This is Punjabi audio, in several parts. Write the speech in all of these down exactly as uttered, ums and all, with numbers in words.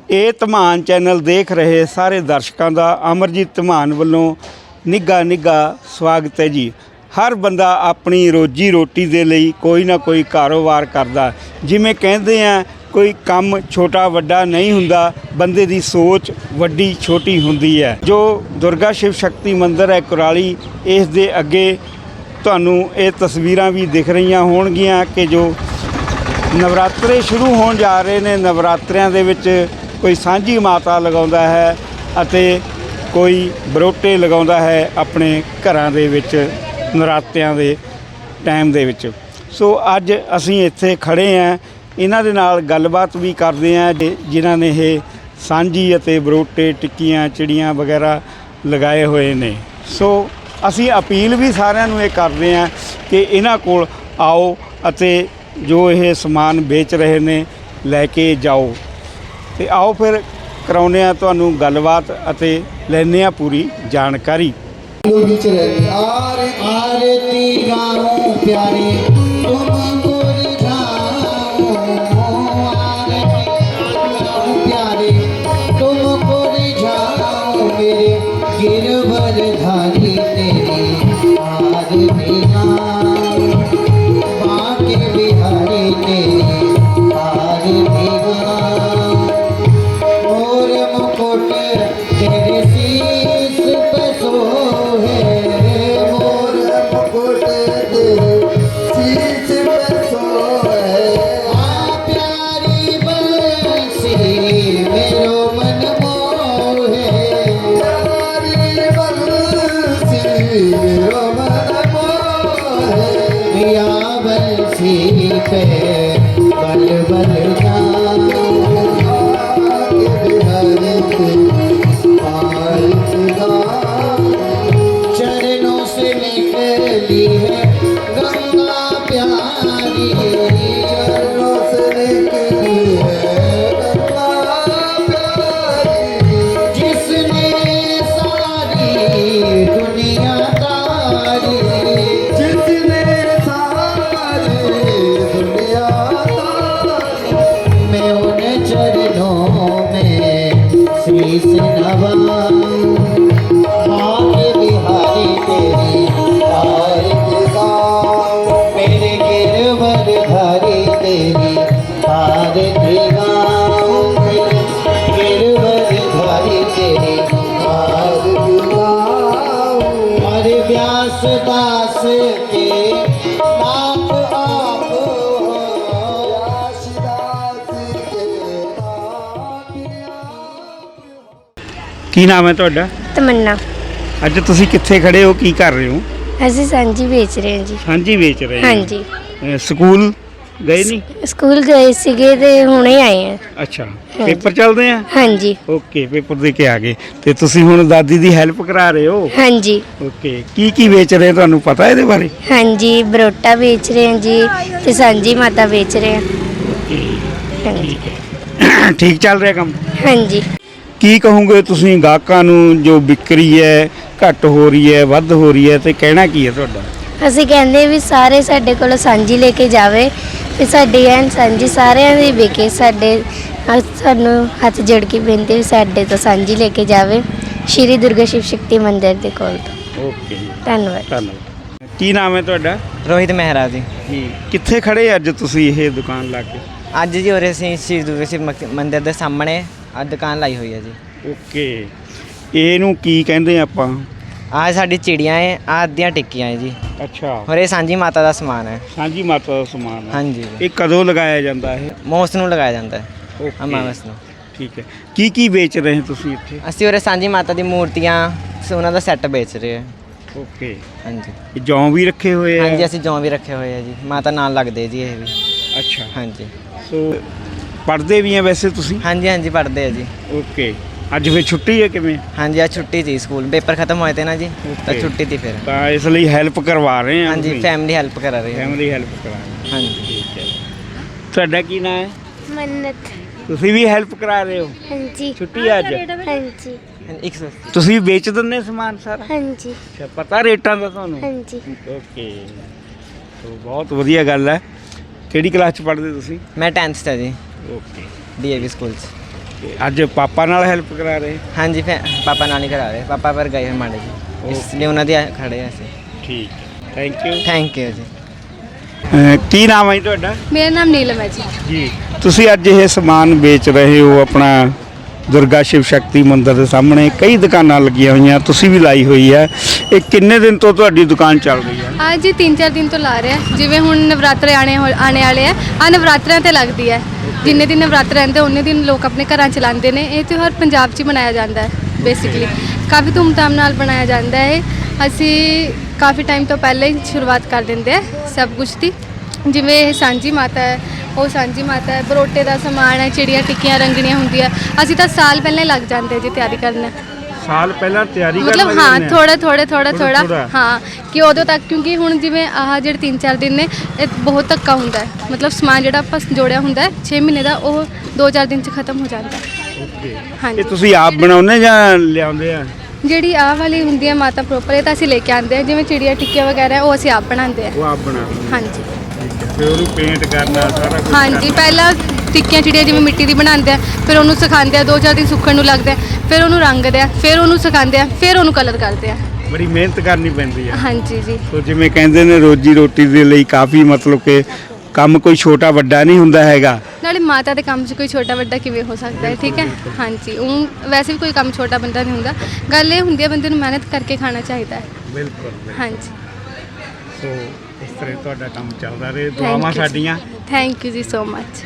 ਇਹ ਧਮਾਨ ਚੈਨਲ ਦੇਖ ਰਹੇ ਸਾਰੇ ਦਰਸ਼ਕਾਂ ਦਾ ਅਮਰਜੀਤ ਧਮਾਨ ਵੱਲੋਂ ਨਿੱਘਾ ਨਿੱਘਾ ਸਵਾਗਤ ਹੈ ਜੀ। ਹਰ ਬੰਦਾ ਆਪਣੀ ਰੋਜੀ ਰੋਟੀ ਦੇ ਲਈ ਕੋਈ ਨਾ ਕੋਈ ਕਾਰੋਬਾਰ ਕਰਦਾ। ਜਿਵੇਂ ਕਹਿੰਦੇ ਆ ਕੋਈ ਕੰਮ ਛੋਟਾ ਵੱਡਾ ਨਹੀਂ ਹੁੰਦਾ, ਬੰਦੇ ਦੀ ਸੋਚ ਵੱਡੀ ਛੋਟੀ ਹੁੰਦੀ ਹੈ। ਜੋ ਦੁਰਗਾ ਸ਼ਿਵ ਸ਼ਕਤੀ ਮੰਦਿਰ ਹੈ ਕੁਰਾਲੀ, ਇਸ ਦੇ ਅੱਗੇ ਤੁਹਾਨੂੰ ਇਹ ਤਸਵੀਰਾਂ ਵੀ ਦਿਖ ਰਹੀਆਂ ਹੋਣਗੀਆਂ ਕਿ ਜੋ ਨਵਰਾਤਰੇ ਸ਼ੁਰੂ ਹੋਣ ਜਾ ਰਹੇ ਨੇ। ਨਵਰਾਤਰਿਆਂ ਦੇ ਵਿੱਚ ਕੋਈ ਸਾਂਝੀ ਮਾਤਾ ਲਗਾਉਂਦਾ ਹੈ ਅਤੇ ਕੋਈ ਬਰੋਟੇ ਲਗਾਉਂਦਾ ਹੈ ਆਪਣੇ ਘਰਾਂ ਦੇ ਵਿੱਚ ਨਰਾਤਿਆਂ ਦੇ ਟਾਈਮ ਦੇ ਵਿੱਚ। ਸੋ ਅੱਜ ਅਸੀਂ ਇੱਥੇ ਖੜ੍ਹੇ ਹਾਂ, ਇਹਨਾਂ ਦੇ ਨਾਲ ਗੱਲਬਾਤ ਵੀ ਕਰਦੇ ਹਾਂ ਜਿਨ੍ਹਾਂ ਨੇ ਇਹ ਸਾਂਝੀ ਅਤੇ ਬਰੋਟੇ ਟਿੱਕੀਆਂ ਚਿੜੀਆਂ ਵਗੈਰਾ ਲਗਾਏ ਹੋਏ ਨੇ। ਸੋ ਅਸੀਂ ਅਪੀਲ ਵੀ ਸਾਰਿਆਂ ਨੂੰ ਇਹ ਕਰਦੇ ਹਾਂ ਕਿ ਇਹਨਾਂ ਕੋਲ ਆਓ ਅਤੇ ਜੋ ਇਹ ਸਮਾਨ ਵੇਚ ਰਹੇ ਨੇ ਲੈ ਕੇ ਜਾਓ। ਤੇ ਆਓ ਫਿਰ ਕਰਾਉਂਦੇ ਹਾਂ ਤੁਹਾਨੂੰ ਗੱਲਬਾਤ ਅਤੇ ਲੈਂਦੇ ਹਾਂ ਪੂਰੀ ਜਾਣਕਾਰੀ। ਕੀ ਨਾਮ ਹੈ ਤੁਹਾਡਾ? ਤਮੰਨਾ। ਅੱਜ ਤੁਸੀਂ ਕਿੱਥੇ ਖੜੇ ਹੋ, ਕੀ ਕਰ ਰਹੇ ਹੋ? ਅਸੀਂ ਸਾਂਝੀ ਵੇਚ ਰਹੇ ਹਾਂ ਜੀ। ਸਾਂਝੀ ਵੇਚ ਰਹੇ ਹਾਂ ਜੀ। ਸਕੂਲ ਗਏ ਨਹੀਂ? ਸਕੂਲ ਗਏ ਸੀਗੇ ਤੇ ਹੁਣੇ ਆਏ ਆ। ਅੱਛਾ, ਪੇਪਰ ਚੱਲਦੇ ਆ? ਹਾਂਜੀ। ਓਕੇ, ਪੇਪਰ ਦੇ ਕੇ ਆ ਗਏ ਤੇ ਤੁਸੀਂ ਹੁਣ ਦਾਦੀ ਦੀ ਹੈਲਪ ਕਰਾ ਰਹੇ ਹੋ? ਹਾਂਜੀ। ਓਕੇ, ਕੀ ਕੀ ਵੇਚ ਰਹੇ ਤੁਹਾਨੂੰ ਪਤਾ ਇਹਦੇ ਬਾਰੇ? ਹਾਂਜੀ, ਬਰੋਟਾ ਵੇਚ ਰਹੇ ਹਾਂ ਜੀ ਤੇ ਸਾਂਝੀ ਮਾਤਾ ਵੇਚ ਰਹੇ ਹਾਂ। ਹਾਂਜੀ, ਠੀਕ ਚੱਲ ਰਿਹਾ ਕੰਮ? ਹਾਂਜੀ। ਕੀ ਕਹੋਗੇ ਤੁਸੀਂ ਗਾਹਕਾਂ ਨੂੰ ਜੋ ਵਿਕਰੀ ਹੈ ਘੱਟ ਹੋ ਰਹੀ ਹੈ ਵੱਧ ਹੋ ਰਹੀ ਹੈ, ਤੇ ਕਹਿਣਾ ਕੀ ਹੈ ਤੁਹਾਡਾ? ਅਸੀਂ ਕਹਿੰਦੇ ਵੀ ਸਾਰੇ ਸਾਡੇ ਕੋਲ ਸਾਂਝੀ ਲੈ ਕੇ ਜਾਵੇ ਤੇ ਸਾਡੀ ਐਨ ਸਾਂਝੀ ਸਾਰਿਆਂ ਦੀ ਵਿਕੇ। ਸਾਡੇ ਸਾਨੂੰ ਹੱਥ ਜੋੜ ਕੇ ਬੇਨਤੀ ਵੀ ਸਾਡੇ ਤੋਂ ਸਾਂਝੀ ਲੈ ਕੇ ਜਾਵੇ ਸ਼੍ਰੀ ਦੁਰਗਾ ਸ਼ਿਵ ਸ਼ਕਤੀ ਮੰਦਿਰ ਦੇ ਕੋਲ ਤੋਂ। ਓਕੇ, ਧੰਨਵਾਦ। ਧੰਨਵਾਦ। ਕੀ ਨਾਮ ਹੈ ਤੁਹਾਡਾ? ਰੋਹਿਤ ਮਹਿਰਾ ਜੀ। ਜੀ, ਕਿੱਥੇ ਖੜੇ ਅੱਜ ਤੁਸੀਂ ਇਹ ਦੁਕਾਨ ਲਾ ਕੇ? ਅੱਜ ਜੀ ਉਰੇ ਅਸੀਂ ਸ਼੍ਰੀ ਦੁਰਗਾ ਸ਼ਿਵ ਮੰਦਿਰ ਦੇ ਸਾਹਮਣੇ ਆ ਦੁਕਾਨ ਲਾਈ ਹੋਈ ਹੈ ਜੀ। ਓਕੇ, ਇਹਨੂੰ ਕੀ ਕਹਿੰਦੇ ਆਪਾਂ? ਆਹ ਸਾਡੀ ਚਿੜੀਆਂ ਹੈ, ਆਹ ਅੱਧੀਆਂ ਟਿੱਕੀਆਂ ਹੈ ਜੀ। ਅੱਛਾ, ਔਰ ਇਹ ਸਾਂਝੀ ਮਾਤਾ ਦਾ ਸਮਾਨ ਹੈ। ਸਾਂਝੀ ਮਾਤਾ ਦਾ ਸਮਾਨ ਹੈ? ਹਾਂਜੀ। ਇਹ ਕਦੋਂ ਲਗਾਇਆ ਜਾਂਦਾ ਹੈ? ਮੋਸ ਨੂੰ ਲਗਾਇਆ ਜਾਂਦਾ ਹੈ, ਓਕੇ, ਅਮਾਵਸ ਨੂੰ। ਠੀਕ ਹੈ। ਕੀ ਕੀ ਵੇਚ ਰਹੇ ਤੁਸੀਂ ਇੱਥੇ? ਅਸੀਂ ਉਰੇ ਸਾਂਝੀ ਮਾਤਾ ਦੀ ਮੂਰਤੀਆਂ, ਉਹਨਾਂ ਦਾ ਸੈੱਟ ਵੇਚ ਰਹੇ ਹਾਂ। ਓਕੇ, ਹਾਂਜੀ। ਇਹ ਜੌਂ ਵੀ ਰੱਖੇ ਹੋਏ ਆ? ਹਾਂਜੀ, ਅਸੀਂ ਜੌਂ ਵੀ ਰੱਖੇ ਹੋਏ ਆ ਜੀ, ਮਾਤਾ ਨਾਲ ਲੱਗਦੇ ਜੀ ਇਹ ਵੀ। ਅੱਛਾ, ਹਾਂਜੀ। ਸੋ ਪੜ੍ਹਦੇ ਵੀ ਆ ਵੈਸੇ ਤੁਸੀਂ? ਹਾਂਜੀ ਹਾਂਜੀ, ਪੜ੍ਹਦੇ ਆ ਜੀ। ਓਕੇ, ਅੱਜ ਫਿਰ ਛੁੱਟੀ ਹੈ ਕਿਵੇਂ? ਹਾਂਜੀ, ਅੱਜ ਛੁੱਟੀ ਸੀ, ਸਕੂਲ ਪੇਪਰ ਖਤਮ ਹੋਏ ਤੇ ਨਾ ਜੀ, ਤਾਂ ਛੁੱਟੀ ਤੀ ਫਿਰ। ਤਾਂ ਇਸ ਲਈ ਹੈਲਪ ਕਰਵਾ ਰਹੇ ਹਾਂ? ਹਾਂਜੀ, ਫੈਮਿਲੀ ਹੈਲਪ ਕਰਾ ਰਹੀ ਹੈ। ਫੈਮਿਲੀ ਹੈਲਪ ਕਰਾ ਰਹੇ? ਹਾਂਜੀ। ਠੀਕ ਹੈ। ਤੁਹਾਡਾ ਕੀ ਨਾਮ ਹੈ? ਮੰਨਤ। ਤੁਸੀਂ ਵੀ ਹੈਲਪ ਕਰਾ ਰਹੇ ਹੋ? ਹਾਂਜੀ। ਛੁੱਟੀ ਹੈ ਅੱਜ? ਹਾਂਜੀ। ਇੱਕ ਸੌ ਅੱਸੀ। ਤੁਸੀਂ ਵੇਚ ਦਿੰਦੇ ਸਮਾਨ ਸਾਰਾ? ਹਾਂਜੀ। ਅੱਛਾ, ਪਤਾ ਰੇਟਾਂ ਦਾ ਤੁਹਾਨੂੰ? ਹਾਂਜੀ। ਓਕੇ, ਸੋ ਬਹੁਤ ਵਧੀਆ ਗੱਲ ਹੈ। ਕਿਹੜੀ ਕਲਾਸ 'ਚ ਪੜ੍ਹਦੇ ਤੁਸੀਂ? ਮੈਂ ਟੈਂਥ 'ਚ ਹਾਂ ਜੀ, okay, D A V school 'ਚ। ਤੇ ਅੱਜ ਪਾਪਾ ਨਾਲ ਹੈਲਪ ਕਰਾ ਰਹੇ? ਹਾਂਜੀ ਫੇ ਪਾਪਾ ਨਾਲ ਹੀ ਕਰਾ ਰਹੇ ਪਾਪਾ ਪਰ ਗਏ ਹੋਏ ਮਾੜੇ ਜੀ ਇਸ ਲਈ ਉਹਨਾਂ ਦੇ ਖੜੇ ਹਾਂ ਅਸੀਂ। ਠੀਕ, ਥੈਂਕ ਯੂ। ਥੈਂਕ ਯੂ ਜੀ। ਕੀ ਨਾਮ ਹੈ ਜੀ ਤੁਹਾਡਾ? ਮੇਰਾ ਨਾਮ ਨੀਲਮ ਹੈ ਜੀ। ਜੀ, ਤੁਸੀਂ ਅੱਜ ਇਹ ਸਮਾਨ ਵੇਚ ਰਹੇ ਹੋ ਆਪਣਾ ਦੁਰਗਾ ਸ਼ਿਵ ਸ਼ਕਤੀ ਮੰਦਿਰ ਦੇ ਸਾਹਮਣੇ ਕਈ ਦੁਕਾਨਾਂ ਲੱਗੀਆਂ ਹੋਈਆਂ, ਤੁਸੀਂ ਵੀ ਲਾਈ ਹੋਈ ਹੈ। ਇਹ ਕਿੰਨੇ ਦਿਨ ਤੋਂ ਤੁਹਾਡੀ ਦੁਕਾਨ ਚੱਲ ਰਹੀ ਹੈ? ਅੱਜ ਜੀ ਤਿੰਨ ਚਾਰ ਦਿਨ ਤੋਂ ਲਾ ਰਹੇ ਆ। ਜਿਵੇਂ ਹੁਣ ਨਵਰਾਤਰੇ ਆਣੇ ਹੋ- ਆਣੇ ਵਾਲੇ ਆ ਆ ਨਵਰਾਤਰਿਆਂ ਤੇ ਲੱਗਦੀ ਹੈ। ਜਿੰਨੇ ਦਿਨ ਨਵਰਾਤਰੇ ਰਹਿੰਦੇ ਉਹਨੇ ਦਿਨ ਲੋਕ ਆਪਣੇ ਘਰਾਂ 'ਚ ਲਾਉਂਦੇ ਨੇ। ਇਹ ਤਿਉਹਾਰ ਪੰਜਾਬ 'ਚ ਹੀ ਮਨਾਇਆ ਜਾਂਦਾ ਹੈ ਬੇਸਿਕਲੀ, ਕਾਫੀ ਧੂਮਧਾਮ ਨਾਲ ਬਣਾਇਆ ਜਾਂਦਾ ਹੈ। ਅਸੀਂ ਕਾਫੀ ਟਾਈਮ ਤੋਂ ਪਹਿਲਾਂ ਹੀ ਸ਼ੁਰੂਆਤ ਕਰ ਦਿੰਦੇ ਆ ਸਭ ਕੁਝ ਦੀ। ਜਿਵੇਂ ਇਹ ਸਾਂਝੀ ਮਾਤਾ ਹੈ, ਉਹ ਸਾਂਝੀ ਮਾਤਾ ਹੈ, ਬਰੋਟੇ ਦਾ ਸਮਾਨ ਹੈ, ਚਿੜੀਆਂ ਟਿੱਕੀਆਂ ਰੰਗਣੀਆਂ ਹੁੰਦੀਆਂ। ਅਸੀਂ ਤਾਂ ਸਾਲ ਪਹਿਲਾਂ ਹੀ ਲੱਗ ਜਾਂਦੇ ਜੀ ਤਿਆਰੀ ਕਰਨ। ਸਾਲ ਪਹਿਲਾਂ ਤਿਆਰੀ ਕਰਨ ਮਤਲਬ ਲੱਗ ਹਾਂ ਜਾਂਦੇ ਆ? ਥੋੜਾ ਥੋੜਾ ਥੋੜਾ ਥੋੜ੍ਹਾ- ਥੋੜਾ ਥੋੜ੍ਹਾ। ਹਾਂ ਕਿ ਉਦੋਂ ਤੱਕ, ਕਿਉਂਕਿ ਹੁਣ ਜਿਵੇਂ ਆਹ ਜਿਹੜੇ ਤਿੰਨ ਚਾਰ ਦਿਨ ਨੇ ਇਹ ਬਹੁਤ ਧੱਕਾ ਹੁੰਦਾ ਹੈ। ਮਤਲਬ ਸਮਾਨ ਜਿਹੜਾ ਆਪਾਂ ਜੋੜਿਆ ਹੁੰਦਾ ਹੈ ਛੇ ਮਹੀਨੇ ਦਾ, ਉਹ ਦੋ ਚਾਰ ਦਿਨ 'ਚ ਖਤਮ ਹੋ ਜਾਂਦਾ ਹੈ। ਓਕੇ। ਹਾਂਜੀ। ਇਹ ਤੁਸੀਂ ਆਪ ਬਣਾਉਂਦੇ ਜਾਂ ਲਿਆਉਂਦੇ ਆ? ਜਿਹੜੀ ਆਹ ਵਾਲੀ ਹੁੰਦੀ ਹੈ ਮਾਤਾ ਪ੍ਰੋਪਰ, ਇਹ ਤਾਂ ਅਸੀਂ ਲੈ ਕੇ ਆਉਂਦੇ ਹਾਂ। ਜਿਵੇਂ ਚਿੜੀਆਂ ਟਿੱਕੀਆਂ ਵਗੈਰਾ ਉਹ ਅਸੀਂ ਆਪ ਬਣਾਉਂਦੇ ਉਹ ਹਾਂ। ਆਪ ਬਣਾਉਂਦੇ? ਹਾਂਜੀ ਫਿਰ ਉਹਨੂੰ ਪੇਂਟ ਕਰਨਾ ਸਾਰਾ ਕੁਝ? ਹਾਂਜੀ, ਪਹਿਲਾਂ ਟਿੱਕੀਆਂ ਚਿੜੀਆਂ ਜਿਵੇਂ ਮਿੱਟੀ ਦੀ ਬਣਾਉਂਦੇ ਆ, ਫਿਰ ਉਹਨੂੰ ਸਿਖਾਉਂਦੇ ਆ, ਦੋ ਚਾਰ ਦਿਨ ਸੁੱਕਣ ਨੂੰ ਲੱਗਦੇ ਆ, ਫਿਰ ਉਹਨੂੰ ਰੰਗਦੇ ਆ, ਫਿਰ ਉਹਨੂੰ ਸਿਖਾਉਂਦੇ ਆ, ਫਿਰ ਉਹਨੂੰ ਕਲਰ ਕਰਦੇ ਆ। ਬੜੀ ਮਿਹਨਤ ਕਰਨੀ ਪੈਂਦੀ ਹੈ। ਹਾਂਜੀ ਜੀ। ਸੋ ਜਿਵੇਂ ਕਹਿੰਦੇ ਨੇ ਰੋਜੀ ਰੋਟੀ ਦੇ ਲਈ ਕਾਫੀ ਮਤਲਬ ਕਿ ਕੰਮ ਕੋਈ ਛੋਟਾ ਵੱਡਾ ਨਹੀਂ ਹੁੰਦਾ ਹੈਗਾ। ਨਾਲੇ ਮਾਤਾ ਦੇ ਕੰਮ 'ਚ ਕੋਈ ਛੋਟਾ ਵੱਡਾ ਕਿਵੇਂ ਹੋ ਸਕਦਾ ਹੈ? ਠੀਕ ਹੈ। ਹਾਂਜੀ, ਉਹ ਵੈਸੇ ਵੀ ਕੋਈ ਕੰਮ ਛੋਟਾ ਬੰਦਾ ਨਹੀਂ ਹੁੰਦਾ। ਗੱਲ ਇਹ ਹੁੰਦੀ ਹੈ ਬੰਦੇ ਨੂੰ ਮਿਹਨਤ ਕਰਕੇ ਖਾਣਾ ਚਾਹੀਦਾ ਹੈ। ਬਿਲਕੁਲ। ਹਾਂਜੀ। ਸੋ ਇਸ ਤਰ੍ਹਾਂ ਤੁਹਾਡਾ ਕੰਮ ਚੱਲਦਾ ਰਹੇ, ਦੁਆਵਾਂ ਸਾਡੀਆਂ। ਥੈਂਕ ਯੂ ਜੀ ਸੋ ਮਚ।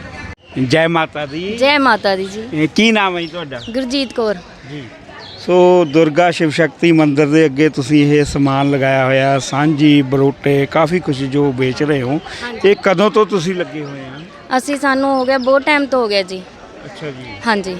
ਜੈ ਮਾਤਾ ਦੀ। ਜੈ ਮਾਤਾ ਦੀ ਜੀ। ਇਹ ਕੀ ਨਾਮ ਹੈ ਜੀ ਤੁਹਾਡਾ? ਗੁਰਜੀਤ ਕੌਰ। ਜੀ। ਸੋ ਦੁਰਗਾ ਸ਼ਿਵ ਸ਼ਕਤੀ ਮੰਦਿਰ ਦੇ ਅੱਗੇ ਤੁਸੀਂ ਇਹ ਸਮਾਨ ਲਗਾਇਆ ਹੋਇਆ, ਸਾਂਝੀ ਬਰੋਟੇ ਕਾਫੀ ਕੁਝ ਜੋ ਵੇਚ ਰਹੇ ਹੋ, ਇਹ ਕਦੋਂ ਤੋਂ ਤੁਸੀਂ ਲੱਗੇ ਹੋਏ ਆ? ਅਸੀਂ ਸਾਨੂੰ ਹੋ ਗਿਆ ਬਹੁਤ ਟਾਈਮ ਤੋਂ ਹੋ ਗਿਆ ਜੀ। ਅੱਛਾ ਜੀ। ਹਾਂਜੀ,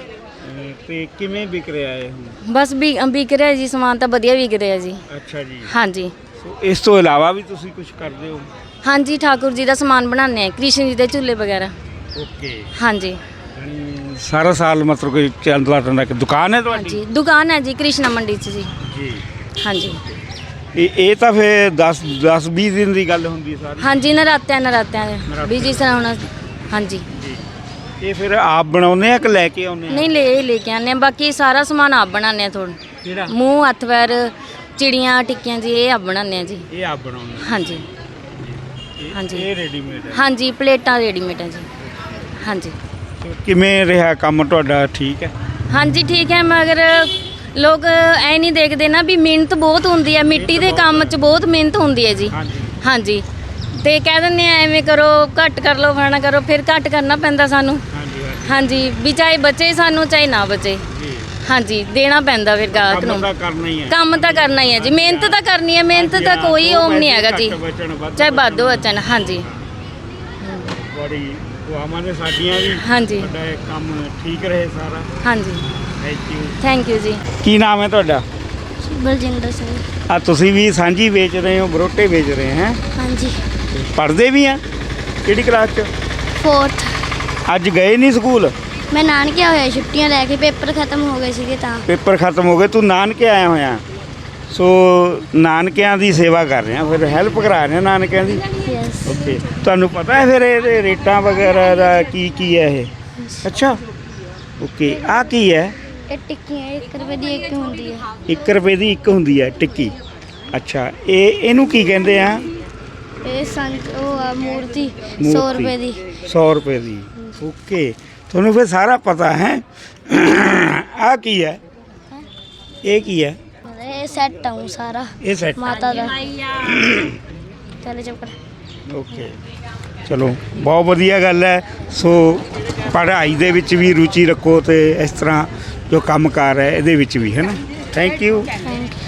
ਅਹ ਤੇ ਕਿਵੇਂ ਵਿਕ ਰਿਹਾ ਇਹ ਹੁਣ? ਬਸ ਵੀ ਵਿਕ ਰਿਹਾ ਜੀ, ਸਮਾਨ ਤਾਂ ਵਧੀਆ ਵਿਕ ਰਿਹਾ ਜੀ। ਅੱਛਾ ਜੀ। ਹਾਂਜੀ ਸੋ ਇਸ ਤੋਂ ਇਲਾਵਾ ਵੀ ਤੁਸੀਂ ਕੁਝ ਕਰਦੇ ਹੋ? ਹਾਂਜੀ, ਠਾਕੁਰ ਜੀ ਦਾ ਸਮਾਨ ਬਣਾਉਂਦੇ ਆ, ਕ੍ਰਿਸ਼ਨ ਜੀ ਦੇ ਝੂਲੇ ਵਗੈਰਾ। ਓਕੇ। ਹਾਂਜੀ ਯਾਨੀ ਸਾਰਾ ਸਾਲ ਮਤਲਬ ਕਿ ਚੱਲਦਾ ਰਹਿੰਦਾ ਕਿ ਦੁਕਾਨ ਹੈ ਤੁਹਾਡੀ? ਹਾਂਜੀ, ਦੁਕਾਨ ਹੈ ਜੀ ਕ੍ਰਿਸ਼ਨਾ ਮੰਡੀ 'ਚ ਜੀ। ਜੀ। ਹਾਂਜੀ ਇਹ ਇਹ ਤਾਂ ਫਿਰ ਦਸ ਦਸ ਵੀਹ ਦਿਨ ਦੀ ਗੱਲ ਹੁੰਦੀ ਹੈ ਸਾਰੀ? ਹਾਂਜੀ, ਨਰਾਤਿਆਂ ਨਰਾਤਿਆਂ ਨਰਾਤਿਆਂ। ਵੀ ਜਿਸ ਤਰ੍ਹਾਂ ਹੁਣ। ਹਾਂਜੀ। ਜੀ। ਇਹ ਫਿਰ ਆਪ ਬਣਾਉਂਦੇ ਆ ਕਿ ਲੈ ਕੇ ਆਉਂਦੇ ਆ? ਨਹੀਂ, ਲੈ ਇਹ ਲੈ ਕੇ ਆਉਂਦੇ ਆ, ਬਾਕੀ ਸਾਰਾ ਸਮਾਨ ਆਪ ਬਣਾਉਂਦੇ ਆ। ਥੋੜਾ ਕਿਹੜਾ? ਮੂੰਹ ਹੱਥ ਪੈਰ ਚਿੜੀਆਂ ਟਿੱਕੀਆਂ ਜੀ ਇਹ ਆਪ ਬਣਾਉਂਦੇ ਆ ਜੀ। ਇਹ ਆਪ ਬਣਾਉਂਦੇ ਆ? ਹਾਂਜੀ ਇਹ- ਹਾਂਜੀ। ਇਹ ਰੈਡੀਮੇਡ ਹੈ? ਹਾਂਜੀ, ਪਲੇਟਾਂ ਰੈਡੀਮੇਡ ਹੈ ਜੀ। ਹਾਂਜੀ ਸੋ ਕਿਵੇਂ ਰਿਹਾ ਕੰਮ ਤੁਹਾਡਾ? ਠੀਕ ਹੈ? ਹਾਂਜੀ ਠੀਕ ਹੈ, ਮਗਰ ਲੋਕ ਐ ਨਹੀਂ ਦੇਖਦੇ ਨਾ ਵੀ ਮਿਹਨਤ ਬਹੁਤ ਹੁੰਦੀ ਹੈ, ਮਿੱਟੀ ਦੇ ਕੰਮ 'ਚ ਬਹੁਤ ਮਿਹਨਤ ਹੁੰਦੀ ਹੈ ਜੀ। ਹਾਂਜੀ। ਹਾਂਜੀ, ਤੇ ਕਹਿ ਦਿੰਦੇ ਆ ਐਵੇਂ ਕਰੋ, ਘੱਟ ਕਰ ਲਓ, ਫਲਾਣਾ ਕਰੋ, ਫਿਰ ਘੱਟ ਕਰਨਾ ਪੈਂਦਾ ਸਾਨੂੰ। ਹਾਂਜੀ ਹਾਂਜੀ। ਹਾਂਜੀ, ਵੀ ਚਾਹੇ ਬਚੇ ਸਾਨੂੰ ਚਾਹੇ ਨਾ ਬਚੇ। ਜੀ। ਹਾਂਜੀ, ਦੇਣਾ ਪੈਂਦਾ ਫਿਰ ਗਾਹਕ ਕੰਮ ਨੂੰ। ਤਾਂ ਕਰਨਾ ਹੀ ਹੈ। ਕੰਮ ਤਾਂ ਕਰਨਾ ਹੀ ਹੈ ਜੀ, ਮਿਹਨਤ ਤਾਂ ਕਰਨੀ ਹੈ, ਮਿਹਨਤ ਹਾਂਜੀ, ਦਾ ਹਾਂ, ਕੋਈ ਦੋ ਓਮ ਨਹੀਂ ਪੈਸੇ ਹੈਗਾ ਜੀ, ਘੱਟ ਬਚਣ, ਵੱਧ ਚਾਹੇ ਬਚਣ। ਵਾਧੂ ਬਚਣ। ਹਾਂਜੀ ਬੜੀ ਦੁਆਵਾਂ ਨੇ ਸਾਡੀਆਂ ਵੀ। ਹਾਂਜੀ ਤੁਹਾਡਾ ਇਹ ਕੰਮ ਠੀਕ ਰਹੇ ਸਾਰਾ। ਹਾਂਜੀ, ਥੈਂਕ ਯੂ। ਥੈਂਕ ਯੂ ਜੀ। ਕੀ ਨਾਮ ਹੈ ਤੁਹਾਡਾ? ਬਲਜਿੰਦਰ ਸਿੰਘ। ਆ ਤੁਸੀਂ ਵੀ ਸਾਂਝੀ ਵੇਚ ਰਹੇ ਹੋ, ਬਰੋਟੇ ਵੇਚ ਰਹੇ ਹੈ? ਹਾਂਜੀ, ਪੜ੍ਹਦੇ ਵੀ ਆ? ਕਿਹੜੀ ਕਲਾਸ 'ਚ? ਫੋਰਥ। ਅੱਜ ਗਏ ਨਹੀਂ ਸਕੂਲ? ਮੈਂ ਨਾਨਕੇ ਹੋਇਆ, ਛੁੱਟੀਆਂ ਲੈ ਕੇ, ਪੇਪਰ ਖਤਮ ਹੋ ਗਏ ਸੀਗੇ ਤਾਂ। ਪੇਪਰ ਖਤਮ ਹੋ ਗਏ, ਤੂੰ ਨਾਨਕੇ ਆਇਆ ਹੋਇਆ? ਸੋ ਨਾਨਕਿਆਂ ਦੀ ਸੇਵਾ ਕਰ ਰਿਹਾ, ਫਿਰ ਹੈਲਪ ਕਰਾ ਰਿਹਾ ਨਾਨਕਿਆਂ ਦੀ? ਯੈਸ। ਓਕੇ। ਤੁਹਾਨੂੰ ਪਤਾ ਹੈ ਫਿਰ ਇਹਦੇ ਰੇਟਾਂ ਵਗੈਰਾ ਦਾ ਕੀ ਕੀ ਹੈ ਇਹ? ਅੱਛਾ। ਓਕੇ। ਆ ਕੀ ਹੈ? ਇਹ ਟਿੱਕੀਆਂ ਇੱਕ ਰੁਪਏ ਦੀ ਇੱਕ ਹੁੰਦੀ ਹੈ। ਇੱਕ ਰੁਪਏ ਦੀ ਇੱਕ ਹੁੰਦੀ ਹੈ ਟਿੱਕੀ? ਅੱਛਾ। ਇਹ ਇਹਨੂੰ ਕੀ ਕਹਿੰਦੇ ਆ? ਇਹ ਸੰਤ ਉਹ ਆ ਮੂਰਤੀ ਸੌ ਮੂਰਤੀ। ਰੁਪਏ ਦੀ। ਸੌ ਰੁਪਏ ਦੀ। ਓਕੇ। ਤੁਹਾਨੂੰ ਫਿਰ ਸਾਰਾ ਪਤਾ ਹੈ। ਆ ਕੀ ਹੈ? ਇਹ ਕੀ ਹੈ? ਇਹ ਸੈੱਟ ਆਉਂ ਸਾਰਾ ਇਹ ਸੈੱਟ ਮਾਤਾ ਦਾ। ਚੱਲ ਚੁੱਪ ਕਰ। ਓਕੇ। ਚਲੋ ਬਹੁਤ ਵਧੀਆ ਗੱਲ ਹੈ। ਸੋ ਪੜ੍ਹਾਈ ਦੇ ਵਿੱਚ ਵੀ ਰੁਚੀ ਰੱਖੋ ਤੇ ਇਸ ਤਰ੍ਹਾਂ ਜੋ ਕੰਮਕਾਰ ਹੈ ਇਹਦੇ ਵਿੱਚ ਵੀ, ਹੈ ਨਾ? Thank you. Thank you.